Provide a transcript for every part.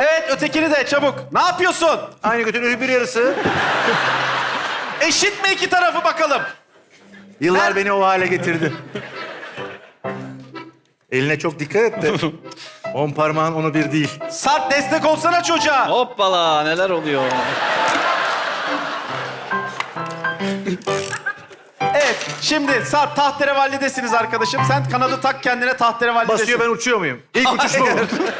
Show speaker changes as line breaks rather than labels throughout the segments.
Evet, ötekini de çabuk. Ne yapıyorsun?
Aynı götün bir yarısı.
Eşit mi iki tarafı bakalım?
Yıllar
Ben-
beni o hale getirdi. Eline çok dikkat et de. 10 parmağın onu bir değil.
Sarp destek olsana çocuğa.
Hoppala neler oluyor?
Evet, şimdi Sarp tahterevalidesiniz arkadaşım. Sen kanadı tak kendine tahterevallidesin.
Basıyor ben uçuyor muyum? İlk uçuş bu.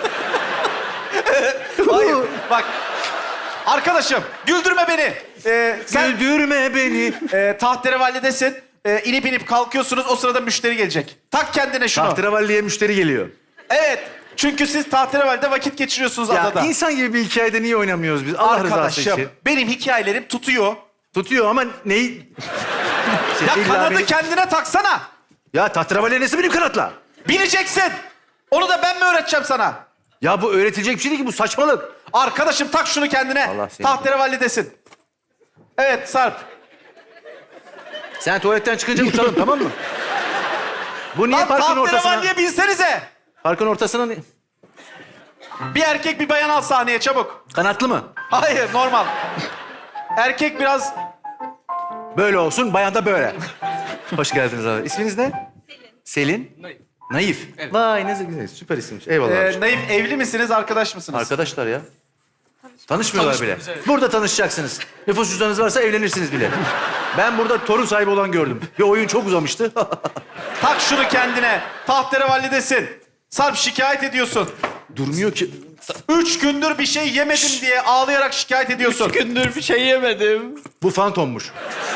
Hayır, bak. Arkadaşım, güldürme beni. Sen
Güldürme beni.
tahterevallidesin. İnip inip kalkıyorsunuz, o sırada müşteri gelecek. Tak kendine şunu.
Tahterevalliye müşteri geliyor.
Evet, çünkü siz tahterevalide vakit geçiriyorsunuz
Ya
adada.
insan gibi bir hikayede niye oynamıyoruz biz? Allah rızası
Arkadaşım,
için.
benim hikayelerim tutuyor.
Tutuyor ama neyi...
Ya
İlla
kanadı
beni-
kendine taksana.
Ya tahterevalliye nesi benim kanatla?
Bileceksin. Onu da ben mi öğreteceğim sana?
Ya bu öğretilecek bir şey değil ki, bu saçmalık.
Arkadaşım tak şunu kendine.
Allah seni-
Tahterevallidesin. Evet Sarp.
Sen tuvaletten çıkınca uçalım, tamam mı? Bu niye
Lan
parkın ortasına?
tahterevalliye binsenize.
Parkın ortasına ni-
Bir erkek bir bayan al sahneye çabuk.
kanatlı mı?
Hayır normal. Erkek biraz...
Böyle olsun, bayan da böyle. Hoş geldiniz abi. İsminiz ne? Selin. Naif. Naif. Evet. Vay ne güzel, süper isimmiş. Eyvallah. abiciğim.
Naif evli misiniz, arkadaş mısınız?
Arkadaşlar ya. Tanışmıyorlar bile. Burada tanışacaksınız. Nüfus cüzdanınız varsa evlenirsiniz bile. Ben burada torun sahibi olan gördüm. Bir oyun çok uzamıştı.
Tak şunu kendine. Tahterevallidesin. Sarp şikayet ediyorsun.
Durmuyor ki.
3 gündür bir şey yemedim diye ağlayarak şikayet ediyorsun.
Gündür bir şey yemedim.
Bu fantommuş.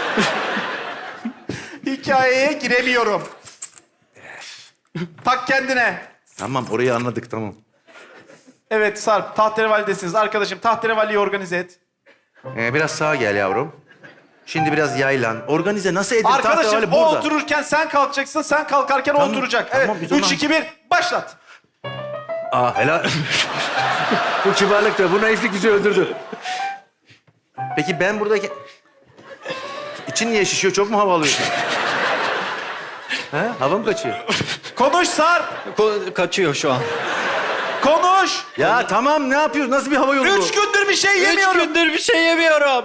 Hikayeye giremiyorum. Tak kendine.
Tamam, orayı anladık, tamam.
Evet Sarp, tahterevalidesiniz. Arkadaşım tahterevalliyi organize et.
Biraz sağa gel yavrum. Şimdi biraz yaylan. Organize nasıl edin?
Arkadaşım
Tahterevalli
o
burada.
otururken sen kalkacaksın, sen kalkarken o
Tamam,
oturacak.
tamam,
Evet,
biz
3,
ona-
2, 1, başlat.
Aa helal. Bu kibarlık da, bu naiflik bizi öldürdü. Peki ben buradaki... İçin niye şişiyor? Çok mu hava alıyorsun? Ha? Hava mı kaçıyor?
Konuş Sarp,
Kaçıyor şu an.
konuş.
Ya tamam, ne yapıyorsun? Nasıl bir hava yolu bu?
3 gündür bir şey
3
yemiyorum.
gündür bir şey yemiyorum.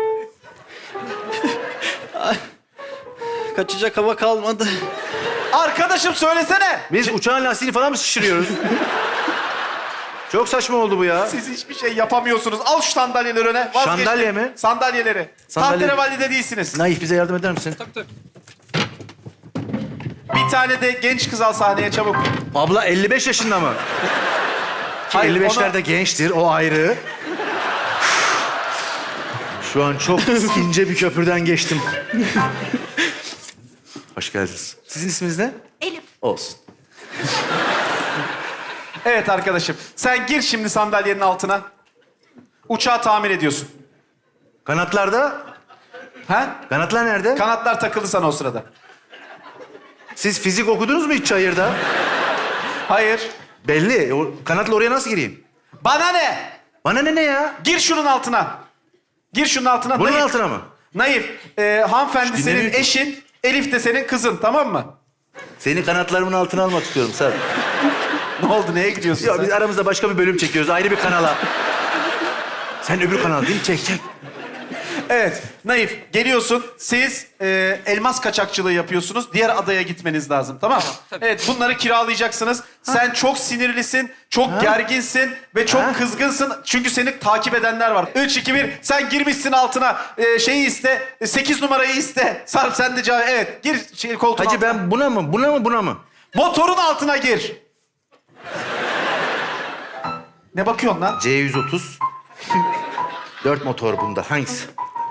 Ay, kaçacak hava kalmadı.
Arkadaşım söylesene.
Biz uçağın lastiğini falan mı şişiriyoruz? Çok saçma oldu bu ya.
Siz hiçbir şey yapamıyorsunuz. Al şu sandalyeleri öne. Vazgeçtim.
Sandalye mi?
Sandalyeleri.
Sandalye-
Tahterevalide değilsiniz.
Naif, bize yardım eder misin?
Bir tane de genç kız al sahneye çabuk.
Abla 55 yaşında mı? Ki
Hayır,
55'lerde
ona-
gençtir, o ayrı. Şu an çok ince bir köprüden geçtim. Hoş geldiniz. Sizin isminiz ne?
Elif.
Olsun.
Evet arkadaşım. Sen gir şimdi sandalyenin altına. Uçağı tamir ediyorsun.
Kanatlarda?
Ha?
Kanatlar nerede?
Kanatlar takıldı sana o sırada.
Siz fizik okudunuz mu hiç çayırda?
Hayır.
Belli. O, kanatla oraya nasıl gireyim?
Bana ne?
Bana ne ya?
Gir şunun altına. Gir şunun altına.
Bunun
Naif.
altına mı?
Naif. Hanımefendi
İşte
senin
dinlemiyor.
eşin. Elif de senin kızın, tamam mı?
Seni kanatlarımın altına almak istiyorum sen.
Ne oldu? Neye gidiyorsun
Ya
sen?
biz aramızda başka bir bölüm çekiyoruz. Ayrı bir kanala. Sen öbür kanal değil mi? Çek çek.
Evet. Naif. Geliyorsun. Siz elmas kaçakçılığı yapıyorsunuz. Diğer adaya gitmeniz lazım. Tamam mı? Evet. Bunları kiralayacaksınız. Sen çok sinirlisin. Çok gerginsin. Ve çok
Ha?
kızgınsın. Çünkü seni takip edenler var. 3, 2, 1. Sen girmişsin altına. Şeyi iste. 8 numarayı iste. Sarp sen de cevap. Evet. Gir koltuğun
Hacı
altına.
ben buna mı? Buna mı? Buna mı?
Motorun altına gir. Ne bakıyorsun lan?
C130. 4 motor bunda. Hangisi?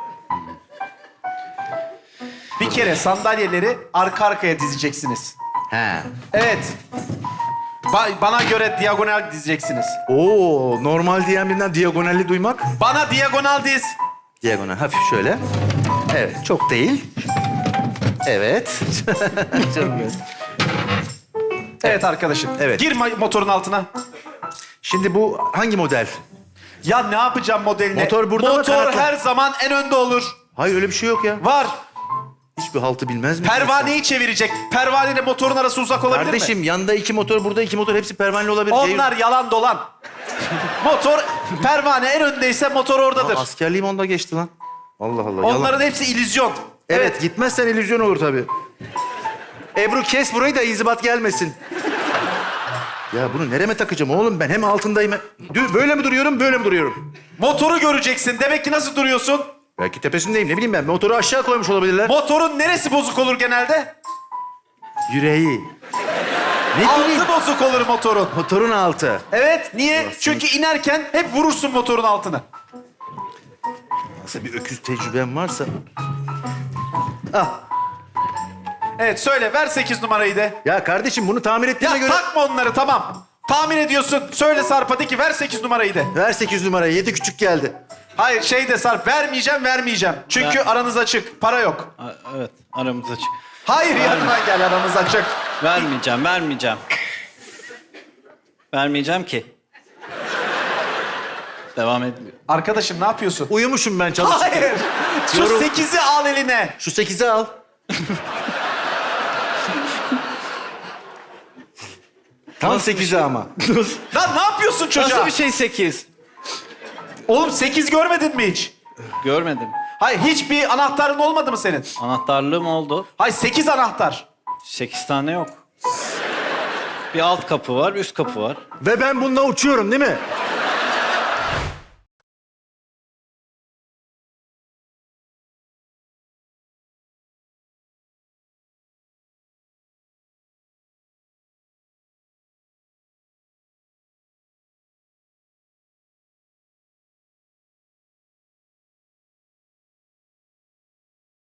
Bir kere sandalyeleri arka arkaya dizeceksiniz.
He.
Evet. Bana göre diagonal dizeceksiniz.
Oo, normal diyen birinden diagonalli duymak.
Bana diagonal diz.
Diagonal hafif şöyle. Evet, çok değil. Evet. Çok güzel.
Evet arkadaşım.
Evet.
Gir motorun altına.
Şimdi bu hangi model?
Ya ne yapacağım modeline?
Motor burada mı,
Motor
kanatlı?
her zaman en önde olur.
Hayır, öyle bir şey yok ya.
Var.
Hiçbir haltı bilmez mi?
Pervaneyi çevirecek. Pervaneyle motorun arası uzak olabilir mi?
Kardeşim, yanda 2 motor, burada 2 motor. Hepsi pervaneli olabilir.
Onlar yalan dolan. Motor, pervane en öndeyse motor oradadır.
Askerliğim onda geçti lan. Allah Allah. yalan.
Onların hepsi illüzyon.
Evet, gitmezsen illüzyon olur tabii. Ebru kes burayı da inzibat gelmesin. Ya bunu nereme takacağım oğlum ben? Hem altındayım. Böyle mi duruyorum, böyle mi duruyorum?
Motoru göreceksin. Demek ki nasıl duruyorsun?
Belki tepesindeyim, ne bileyim ben. Motoru aşağı koymuş olabilirler.
Motorun neresi bozuk olur genelde?
Yüreği. Ne bileyim.
Altı bozuk olur motorun.
Motorun altı.
Evet, niye?
Burası.
Çünkü inerken hep vurursun motorun altına.
Nasıl bir öküz tecrübem varsa. Ah.
Evet, söyle. Ver 8 numarayı de.
Ya kardeşim bunu tamir ettiğine
Ya
göre...
takma onları, tamam. Tahmin ediyorsun. Söyle Sarp'a de ki ver 8 numarayı de.
Ver 8 numarayı. 7 küçük geldi.
Hayır, şey de Sarp. Vermeyeceğim. Çünkü aranız açık. Para yok.
Evet, aramız açık.
Hayır, yanıma gel, aranız açık.
Vermeyeceğim. Vermeyeceğim ki. Devam etmiyor.
Arkadaşım ne yapıyorsun?
Uyumuşum ben çalışırken.
Hayır. Şu
Yorum-
8'i al eline.
Şu 8'i al. Tam 8'i ama.
Lan ne yapıyorsun çocuğa?
Nasıl bir şey 8?
Oğlum 8 görmedin mi hiç?
Görmedim.
Hayır, hiçbir anahtarın olmadı mı senin?
Anahtarlığım oldu.
Hayır, 8 anahtar.
8 tane yok. Bir alt kapı var, üst kapı var.
Ve ben bununla uçuyorum değil mi?